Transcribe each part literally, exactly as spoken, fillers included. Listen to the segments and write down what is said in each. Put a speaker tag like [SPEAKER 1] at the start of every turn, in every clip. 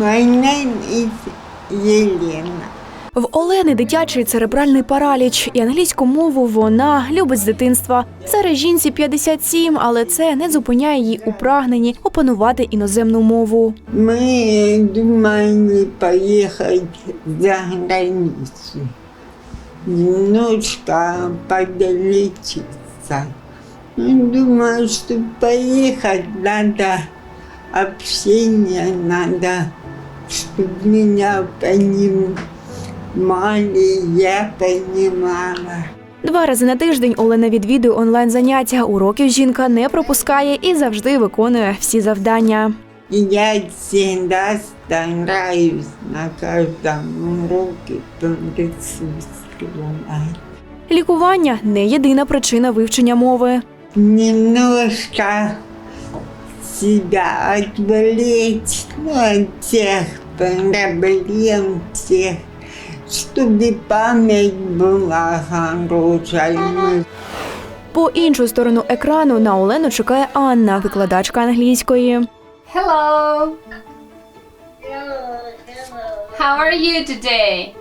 [SPEAKER 1] My name is Єлена.
[SPEAKER 2] В Олени дитячий церебральний параліч, і англійську мову вона любить з дитинства. Зараз жінці п'ятдесят сім, але це не зупиняє її у прагненні опанувати іноземну мову.
[SPEAKER 1] Ми думали поїхати за границю, немножко подлечиться. Думаю, что поехать надо, общение надо, чтобы меня понимали, я понимала.
[SPEAKER 2] Два рази на тиждень Олена відвідує онлайн-заняття. Уроків жінка не пропускає і завжди виконує всі завдання.
[SPEAKER 1] Я всегда стараюсь на каждом уроке присутствовать.
[SPEAKER 2] Лікування – не єдина причина вивчення мови.
[SPEAKER 1] Немножко себя отвлечь, ну, от тех проблем, тех, чтобы память была хорошая.
[SPEAKER 2] По іншу сторону екрану на Олену чекає Анна, викладачка англійської.
[SPEAKER 3] Hello. How are you today?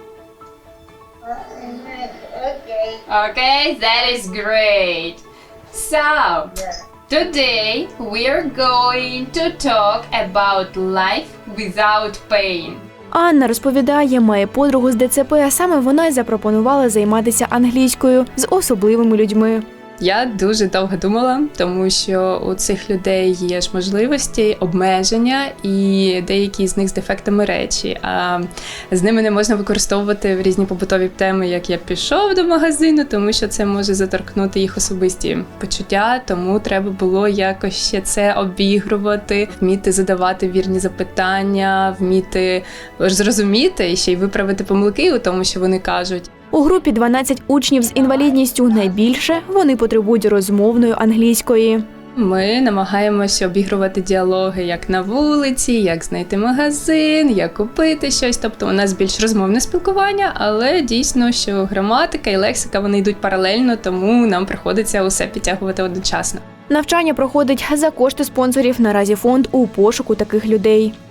[SPEAKER 3] Okay, that is great. So, today we are going to talk about life without pain.
[SPEAKER 2] Анна розповідає, має подругу з ДЦП, а саме вона й запропонувала займатися англійською з особливими людьми.
[SPEAKER 4] Я дуже довго думала, тому що у цих людей є ж можливості, обмеження і деякі з них з дефектами речі. А з ними не можна використовувати в різні побутові теми, як я пішов до магазину, тому що це може заторкнути їх особисті почуття, тому треба було якось ще це обігрувати, вміти задавати вірні запитання, вміти зрозуміти і ще й виправити помилки у тому, що вони кажуть.
[SPEAKER 2] У групі дванадцять учнів з інвалідністю. Найбільше вони потребують розмовної англійської.
[SPEAKER 4] Ми намагаємося обігрувати діалоги як на вулиці, як знайти магазин, як купити щось. Тобто у нас більш розмовне спілкування, але дійсно, що граматика і лексика вони йдуть паралельно, тому нам приходиться усе підтягувати одночасно.
[SPEAKER 2] Навчання проходить за кошти спонсорів. Наразі фонд у пошуку таких людей.